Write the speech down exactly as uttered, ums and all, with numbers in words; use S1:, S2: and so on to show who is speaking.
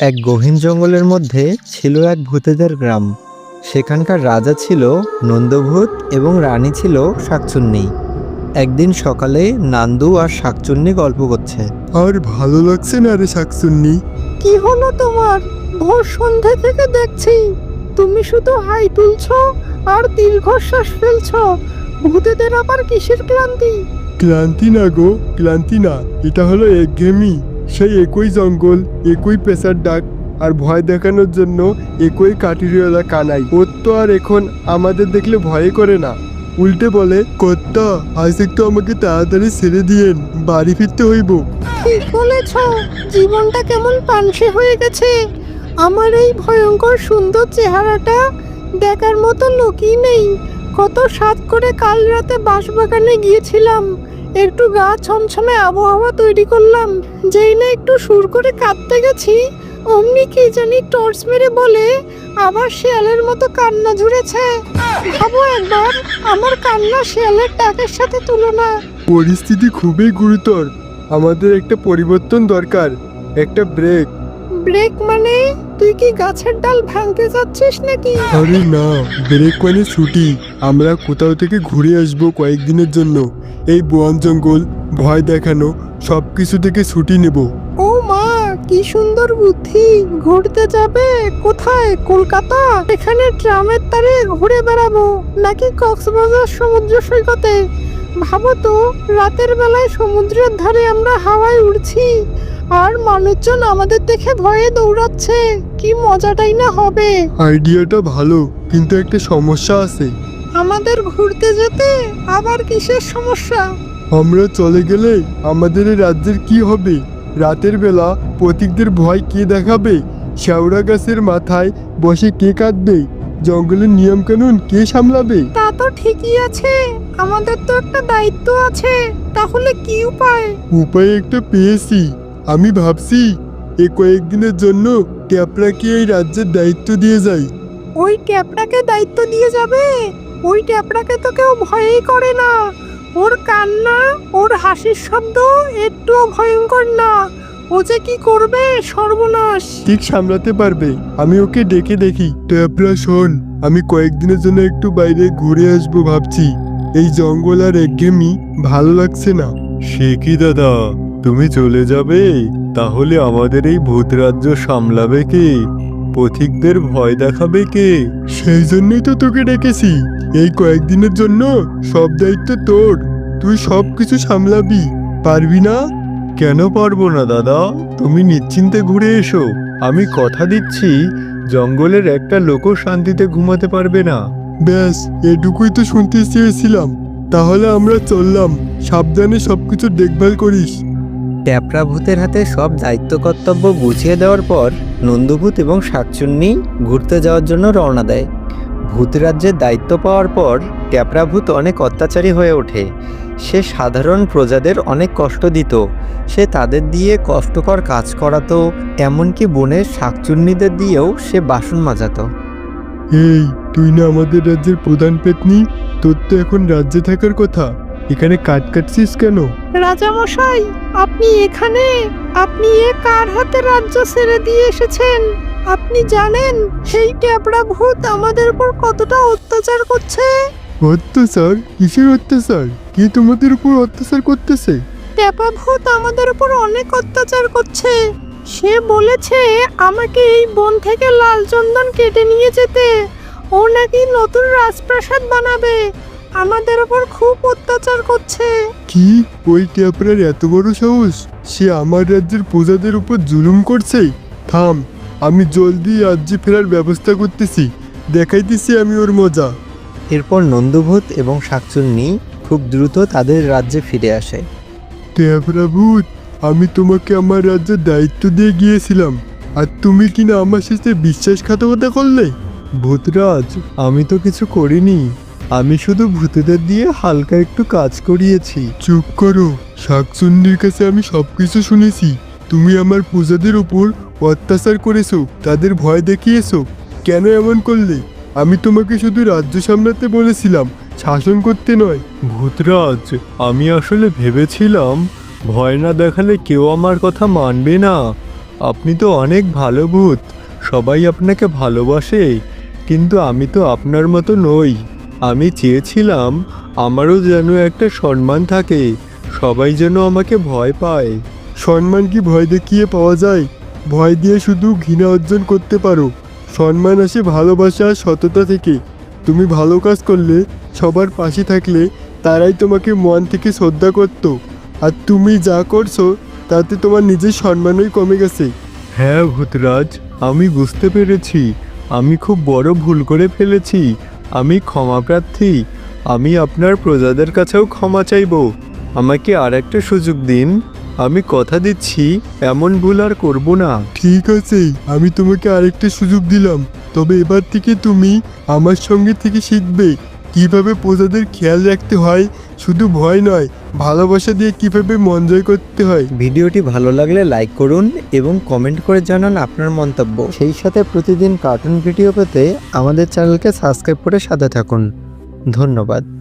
S1: এক গহীন জঙ্গলের মধ্যে ছিল এক ভূতেদের গ্রাম। সেখানকার রাজা ছিল নন্দভূত এবং রানী ছিল শাকচুন্নী। একদিন সকালে নান্দু আর শাকচুন্নী গল্প করছে।
S2: আর ভালো লাগছে না রে শাকচুন্নী?
S3: কি হলো তোমার? ভোর সন্ধ্যা থেকে দেখছি তুমি শুধু হাই তুলছো আর দীর্ঘশ্বাস ফেলছো। ভূতেদের আবার কিসের ক্লান্তি?
S2: ক্লান্তি না গো, ক্লান্তি না, এটা হলো একঘেয়েমি। সেই একই জঙ্গল, একই পেশার ডাক, আর ভয় দেখানোর জন্য একই কাঠুরিওয়ালা কানাই। ওর তো আর এখন আমাদের দেখলে ভয় করে না, উল্টে বলে, কর্তা আজ একটু আমাকে তাড়াতাড়ি ছেড়ে দিয়েন, বাড়ি ফিরতে হইব।
S3: ঠিক বলেছ, জীবনটা কেমন পানসে হয়ে গেছে। আমার এই ভয়ঙ্কর সুন্দর চেহারাটা দেখার মতো লোকই নেই। কত সাত করে কাল রাতে বাঁশবাগানে গিয়েছিলাম, একটু গা ছমছমে আবহাওয়া তৈরি করলাম। যেই না একটু সুর করে কাঁদতে গেছি, অমনি কি জানি টর্চ মেরে বলে আবার শিয়ালের মতো কান্না ঝুরেছে। ভাবো একবার, আমার কান্না শিয়ালের ডাকের সাথে তুলনা।
S2: পরিস্থিতি খুবই গুরুতর, আমাদের একটা পরিবর্তন দরকার, একটা ব্রেক।
S3: ব্রেক মানে? তুই কি গাছের ডাল ভাঙতে যাচ্ছিস নাকি?
S2: আরে না, ব্রেক মানে ছুটি। আমরা কোথাও থেকে ঘুরে আসবো কয়েকদিনের জন্য। এই বন জঙ্গল, ভয় দেখানো, সব কিছু থেকে ছুটি নেব।
S3: ও মা, কি সুন্দর বুদ্ধি! ঘুরতে যাবে কোথায়? কলকাতা? এখানে ট্রামের তারে ঘুরে বেড়াবো নাকি কক্সবাজার সমুদ্র সৈকতে? ভাবো তো, রাতের বেলায় সমুদ্রের ধারে আমরা হাওয়ায় উড়ছি আর মানুষজন আমাদের দেখে ভয়ে দৌড়াচ্ছে। কি মজাটাই না হবে।
S2: আইডিয়াটা ভালো, কিন্তু একটা সমস্যা আছে।
S3: আমাদের ঘুরতে যেতে আবার কিসের সমস্যা?
S2: আমরা চলে গেলে আমাদের এই রাজ্যের কি হবে? রাতের বেলা পথিকদের ভয় কে দেখাবে? শেওড়া গাছের মাথায় বসে কে কাঁদবে? জঙ্গলের নিয়ম কানুন কে সামলাবে?
S3: তা তো ঠিকই আছে, আমাদের তো একটা দায়িত্ব আছে। তাহলে কি উপায়?
S2: উপায় একটা পেয়েছি। আমি ভাবছি এ কয়েকদিনের জন্য ট্যাপরাকে এই রাজ্যের দায়িত্ব দিয়ে যাই।
S3: ওই ট্যাপটাকে দায়িত্ব দিয়ে যাবে? ওই ট্যাপটাকে তো কেউ ভয়ই করে না। ওর কান্না, ওর হাসির শব্দ একটুও ভয়ঙ্কর না। ও যে কি করবে, সর্বনাশ!
S2: ঠিক সামলাতে পারবে, আমি ওকে ডেকে দেখি। ট্যাপরা শোন, আমি কয়েকদিনের জন্য একটু বাইরে ঘুরে আসবো ভাবছি। এই জঙ্গল আর একঘেয়েমি ভালো লাগছে না।
S4: সে কি দাদা, তুমি চলে যাবে? তাহলে আমাদের এই ভূত রাজ্য সামলাবে কে? পথিকদের ভয় দেখাবে কে?
S2: সেই জন্যই তো তোকে ডেকেছি। এই কয়েকদিনের জন্য সব দায়িত্ব তোর, তুই সব কিছু সামলাবি, পারবি না?
S4: কেন পারবো না দাদা, তুমি নিশ্চিন্তে ঘুরে এসো। আমি কথা দিচ্ছি, জঙ্গলের একটা লোকও শান্তিতে ঘুমাতে পারবে না।
S2: ব্যাস, এটুকুই তো শুনতে চেয়েছিলাম। তাহলে আমরা চললাম, সাবধানে সবকিছু দেখভাল করিস।
S1: ট্যাপরা ভূতের হাতে সব দায়িত্ব কর্তব্য বুঝিয়ে দেওয়ার পর নন্দভূত এবং শাকচুন্নী ঘুরতে যাওয়ার জন্য রওনা দেয়। ভূত রাজ্যের দায়িত্ব পাওয়ার পর ট্যাপরা ভূত অনেক অত্যাচারী হয়ে ওঠে। সে সাধারণ প্রজাদের অনেক কষ্ট দিত, সে তাদের দিয়ে কষ্টকর কাজ করাতো, এমনকি বনের শাকচুন্নীদের দিয়েও সে বাসন মাজাতো।
S2: এই, তুই না আমাদের রাজ্যের প্রধান পেত্নী? তোর তো এখন রাজ্যে থাকার কথা, এখানে কাট কাটছিস কেন?
S3: রাজামশাই, আপনি এখানে? আপনি এ কার হাতে রাজ্য ছেড়ে দিয়ে এসেছেন? আপনি জানেন সেই ট্যাপরা ভূত আমাদের উপর কতটা অত্যাচার করছে?
S2: অত্যাচার? কিসের অত্যাচার? কি তোমাদের উপর অত্যাচার করতেছে?
S3: ট্যাপা ভূত আমাদের উপর অনেক অত্যাচার করছে। সে বলেছে আমাকে এই বন থেকে লাল চন্দন কেটে নিয়ে যেতে। ও নাকি নতুন রাজপ্রাসাদ বানাবে। আমাদের উপর খুব অত্যাচার করছে।
S2: কি? ওই ট্যাপরার এত বড় সাহস? সে আমার রাজ্যের প্রজাদের উপর জুলুম করছে। থাম, আমি জলদি রাজ্যে ফেরার ব্যবস্থা করতেছি, দেখাইতেছি আমি ওর মজা।
S1: এরপর নন্দভূত এবং শাকচুন্নী খুব দ্রুত তাদের রাজ্যে ফিরে আসে।
S2: ট্যাপরা ভূত, আমি তোমাকে আমার রাজ্যের দায়িত্ব দিয়ে গিয়েছিলাম, আর তুমি কিনা আমার সাথে বিশ্বাসঘাতকতা করলে।
S4: ভূতরাজ, আমি তো কিছু করিনি, আমি শুধু ভূতেদের দিয়ে হালকা একটু কাজ করিয়েছি।
S2: চুপ করো, শাকচুন্নির কাছে আমি সবকিছু শুনেছি। তুমি আমার প্রজাদের উপর অত্যাচার করেছো, তাদের ভয় দেখিয়েছো। কেন এমন করলে? আমি তোমাকে শুধু রাজ্য সামলাতে বলেছিলাম, শাসন করতে নয়।
S4: ভূতরাজ, আমি আসলে ভেবেছিলাম ভয় না দেখালে কেউ আমার কথা মানবে না। আপনি তো অনেক ভালো ভূত, সবাই আপনাকে ভালোবাসে, কিন্তু আমি তো আপনার মতো নই। আমি চেয়েছিলাম আমারও যেন একটা সম্মান থাকে, সবাই যেন আমাকে ভয় পায়।
S2: সম্মান কি ভয় দেখিয়ে পাওয়া যায়? ভয় দিয়ে শুধু ঘৃণা অর্জন করতে পারো। সম্মান আসে ভালোবাসা আর সততা থেকে। তুমি ভালো কাজ করলে, সবার পাশে থাকলে তারাই তোমাকে মন থেকে শ্রদ্ধা করতো। আর তুমি যা করছো তাতে তোমার নিজের সম্মানই কমে গেছে।
S4: হ্যাঁ ভূতরাজ, আমি বুঝতে পেরেছি আমি খুব বড় ভুল করে ফেলেছি। আমি ক্ষমা প্রার্থী। আমি আপনার প্রজাদের কাছেও ক্ষমা চাইব। আমাকে আর একটা সুযোগ দিন। আমি কথা দিচ্ছি এমন ভুল আর করব না।
S2: ঠিক আছে, আমি তোমাকে আরেকটা সুযোগ দিলাম, তবে এবার থেকে তুমি আমার সঙ্গে থেকে শিখবে কিভাবে প্রজাদের খেয়াল রাখতে হয়। শুধু ভয় নয়, ভালোবাসা দিয়ে কিভাবে মন জয় করতে হয়।
S1: ভিডিওটি ভালো লাগলে লাইক করুন এবং কমেন্ট করে জানান আপনার মন্তব্য। সেই সাথে প্রতিদিন কার্টুন ভিডিও পেতে আমাদের চ্যানেলকে সাবস্ক্রাইব করে সাথে থাকুন। ধন্যবাদ।